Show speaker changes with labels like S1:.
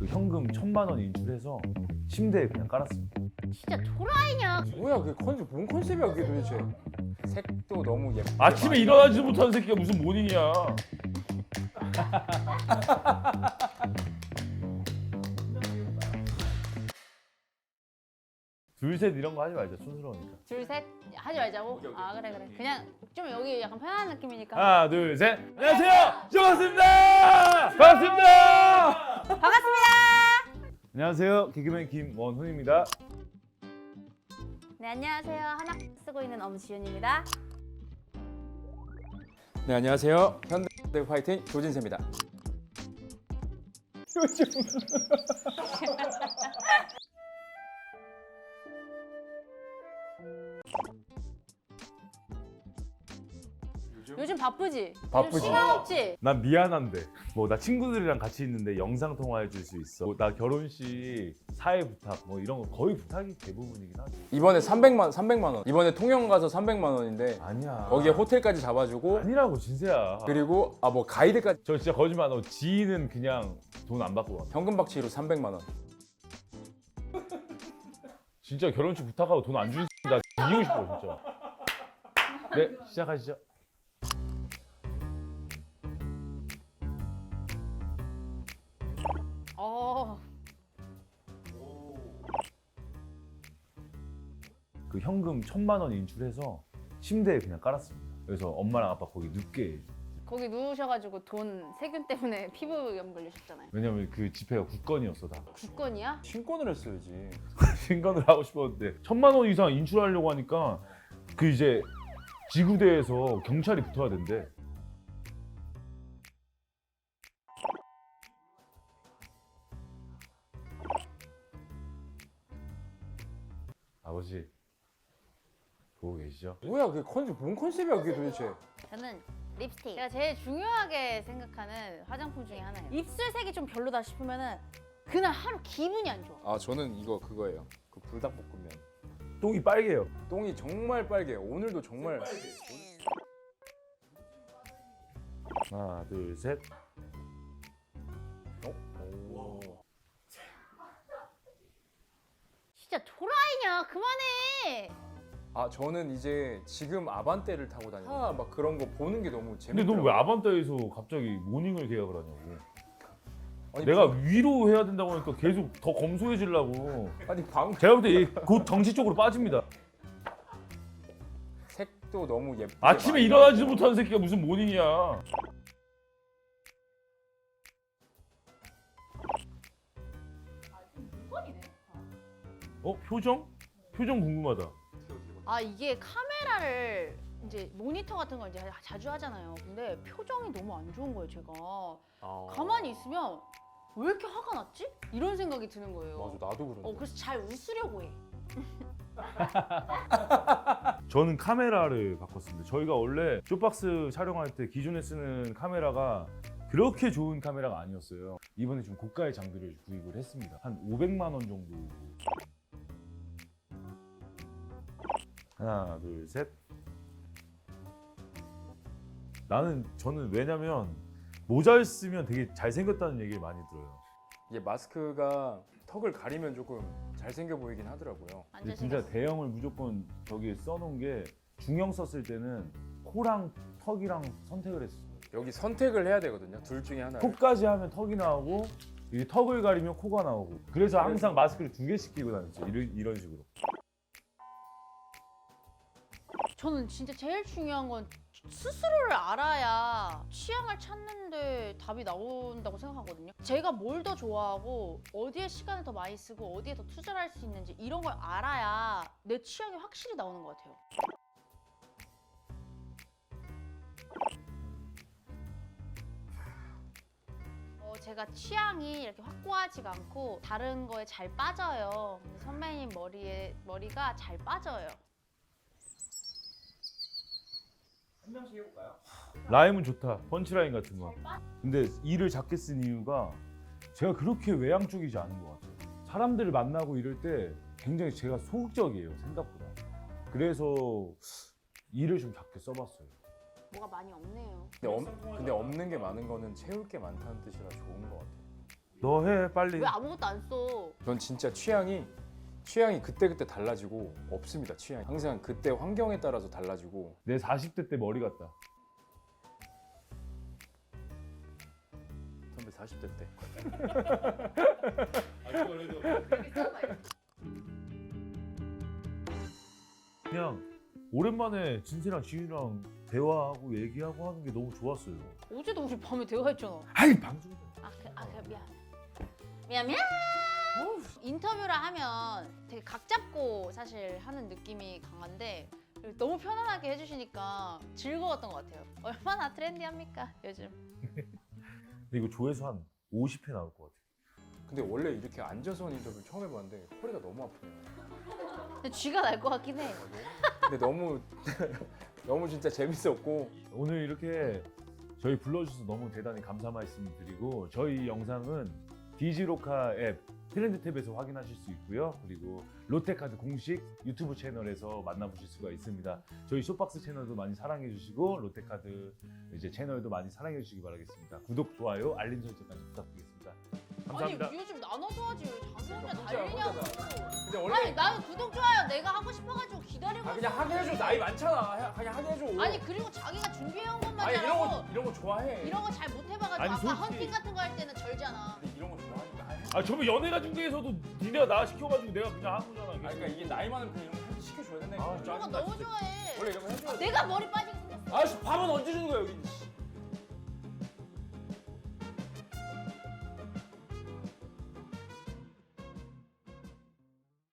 S1: 그 현금 1,000만 원 인출해서 침대에 그냥 깔았습니다.
S2: 진짜 도라이냐?
S3: 뭐야 그게 컨셉 뭔 컨셉이야 그게 도대체. 색도 너무 예쁘게
S1: 아침에 일어나지도 못하는 새끼가 무슨 모닝이야. 둘, 셋 이런 거 하지 말자. 촌스러우니까.
S2: 둘, 셋 하지 말자고? 아 그래. 그냥 좀 여기 약간 편안한 느낌이니까.
S1: 하나, 둘, 셋. 안녕하세요. 반갑습니다. 반갑습니다.
S2: 반갑습니다.
S1: 안녕하세요. 개그맨 김원훈입니다.
S2: 네 안녕하세요. 한학 쓰고 있는 엄지윤입니다.
S3: 네 안녕하세요 현대 파이팅 조진세입니다.
S2: 요즘 바쁘지?
S3: 바쁘지.
S2: 요즘 시간 없지?
S1: 난 미안한데 뭐 나 친구들이랑 같이 있는데 영상 통화해 줄 수 있어. 나 결혼식 사회 부탁 뭐 이런 거 거의 부탁이 대부분이긴 하지.
S3: 이번에 300만 원. 이번에 통영 가서 300만 원인데
S1: 아니야.
S3: 거기에 호텔까지 잡아주고
S1: 아니라고 진세야.
S3: 그리고 뭐 가이드까지
S1: 저 진짜 거짓말 안 하고 지인은 그냥 돈 안 받고 가.
S3: 현금 박치로 300만 원.
S1: 진짜 결혼식 부탁하고 돈 안 주는 나 이기고 싶어 진짜. 네 시작하시죠. 그 현금 1,000만 원 인출해서 침대에 그냥 깔았습니다. 그래서 엄마랑 아빠 거기 눕게.
S2: 거기 누우셔가지고 돈 세균 때문에 피부염 걸리셨잖아요.
S1: 왜냐면 그 집회가 국건이었어 다.
S2: 국건이야?
S3: 신권을 했어야지.
S1: 신건을 하고 싶었는데 1,000만 원 이상 인출하려고 하니까 그 이제 지구대에서 경찰이 붙어야 된대. 아버지 보고 계시죠?
S3: 뭐야 그게 컨셉 뭔 컨셉이야 그게 도대체.
S2: 저는 립스틱. 제가 제일 중요하게 생각하는 화장품 중에 하나예요. 입술색이 좀 별로다 싶으면은 그날 하루 기분이 안 좋아.
S3: 아 저는 이거 그거예요. 그 불닭볶음면.
S1: 똥이 빨개요.
S3: 똥이 정말 빨개요. 오늘도 정말.
S1: 하나 둘 셋.
S3: 오.
S2: 진짜 도라이냐? 그만해.
S3: 아 저는 이제 지금 아반떼를 타고 다니고 막 그런 거 보는 게 너무
S1: 근데
S3: 재밌더라고요.
S1: 너 왜 아반떼에서 갑자기 모닝을 계약을 하냐고.
S3: 아니,
S1: 내가 위로 해야 된다고 하니까 계속 더 검소해지려고.
S3: 아니 방
S1: 제가 볼 때 곧 정치 쪽으로 빠집니다.
S3: 색도 너무 예쁘게
S1: 아침에
S3: 많이
S1: 일어나지도
S3: 나오고.
S1: 못하는 새끼가 무슨 모닝이야. 표정? 표정 궁금하다.
S2: 아 이게 카메라를 이제 모니터 같은 걸 이제 자주 하잖아요. 근데 표정이 너무 안 좋은 거예요, 제가. 가만히 있으면 왜 이렇게 화가 났지? 이런 생각이 드는 거예요.
S3: 맞아 나도 그런데.
S2: 그래서 잘 웃으려고 해.
S1: 저는 카메라를 바꿨습니다. 저희가 원래 쇼박스 촬영할 때 기존에 쓰는 카메라가 그렇게 좋은 카메라가 아니었어요. 이번에 좀 고가의 장비를 구입을 했습니다. 한 500만 원 정도. 하나, 둘, 셋. 저는 왜냐면 모자를 쓰면 되게 잘생겼다는 얘기를 많이 들어요.
S3: 이게 마스크가 턱을 가리면 조금 잘생겨 보이긴 하더라고요.
S1: 근데 진짜 대형을 무조건 저기에 써놓은 게 중형 썼을 때는 코랑 턱이랑 선택을 했어요.
S3: 여기 선택을 해야 되거든요. 둘 중에 하나.
S1: 코까지 하면 턱이 나오고 이 턱을 가리면 코가 나오고. 그래서 항상 마스크를 2개씩 끼고 다녔죠. 이런 식으로.
S2: 저는 진짜 제일 중요한 건 스스로를 알아야 취향을 찾는데 답이 나온다고 생각하거든요. 제가 뭘 더 좋아하고 어디에 시간을 더 많이 쓰고 어디에 더 투자를 할 수 있는지 이런 걸 알아야 내 취향이 확실히 나오는 것 같아요. 제가 취향이 이렇게 확고하지가 않고 다른 거에 잘 빠져요. 근데 선배님 머리가 잘 빠져요.
S3: 한 명씩 해볼까요?
S1: 라임은 좋다. 펀치라인 같은 거. 근데 이를 작게 쓴 이유가 제가 그렇게 외향적이지 않은 것 같아요. 사람들을 만나고 이럴 때 굉장히 제가 소극적이에요. 생각보다. 그래서 이를 좀 작게 써봤어요.
S2: 뭐가 많이 없네요.
S3: 근데 없는 게 많은 거는 채울 게 많다는 뜻이라 좋은 것 같아요.
S1: 너 해 빨리.
S2: 왜 아무것도 안 써?
S3: 전 진짜 취향이 그때그때 달라지고 없습니다. 취향이 항상 그때 환경에 따라서 달라지고.
S1: 내 40대 때 머리 같다.
S3: 선배 40대 때.
S1: 그냥 오랜만에 진세랑 지윤이랑 대화하고 얘기하고 하는 게 너무 좋았어요.
S2: 어제도 우리 밤에 대화했잖아.
S1: 아이 방송.
S2: 미안. 인터뷰를 하면 되게 각 잡고 사실 하는 느낌이 강한데 너무 편안하게 해주시니까 즐거웠던 것 같아요. 얼마나 트렌디합니까 요즘?
S1: 근데 이거 조회수 한 50회 나올 것 같아.
S3: 근데 원래 이렇게 앉아서 하는 인터뷰를 처음 해봤는데 허리가 너무 아프네요.
S2: 근데 쥐가 날 것 같긴 해.
S3: 근데 너무 진짜 재밌었고.
S1: 오늘 이렇게 저희 불러주셔서 너무 대단히 감사 말씀 드리고 저희 영상은 디지로카 앱 트렌드 탭에서 확인하실 수 있고요. 그리고 롯데카드 공식 유튜브 채널에서 만나보실 수가 있습니다. 저희 쇼박스 채널도 많이 사랑해 주시고 롯데카드 이제 채널도 많이 사랑해 주시기 바라겠습니다. 구독, 좋아요, 알림 설정까지 부탁드리겠습니다. 감사합니다.
S2: 아니 요즘 나눠서 하지 왜 자기 혼자
S3: 혼자,
S2: 달리냐고.
S3: 근데
S2: 아니
S3: 원래
S2: 나는 구독 좋아요 내가 하고 싶어가지고 기다리고 있어.
S3: 그냥 하게 해줘. 나이 많잖아. 그냥 하게 해줘.
S2: 아니 그리고 자기가 준비해온 것만
S3: 아니
S2: 잘하고
S3: 이런 거 좋아해.
S2: 이런 거 잘 못 해봐가지고
S1: 아니,
S2: 아까
S1: 솔직히-
S2: 헌팅 같은 거 할 때는 절잖아.
S3: 근데 이런 거 좋아하니까.
S1: 아 저번 연예가 중계에서도 니네가 나 시켜가지고 내가 그냥 한 거잖아.
S3: 아니, 그러니까 이게 나이 많으면 그냥 이런 거 시켜줘야 된다니까.
S1: 아,
S2: 이런 거
S3: 짜증나,
S2: 너무
S3: 진짜.
S2: 좋아해.
S3: 원래 이런 거 해줘야 돼.
S2: 내가 머리 빠지게 생겼어.
S3: 아씨 밥은 언제 주는 거야 여기.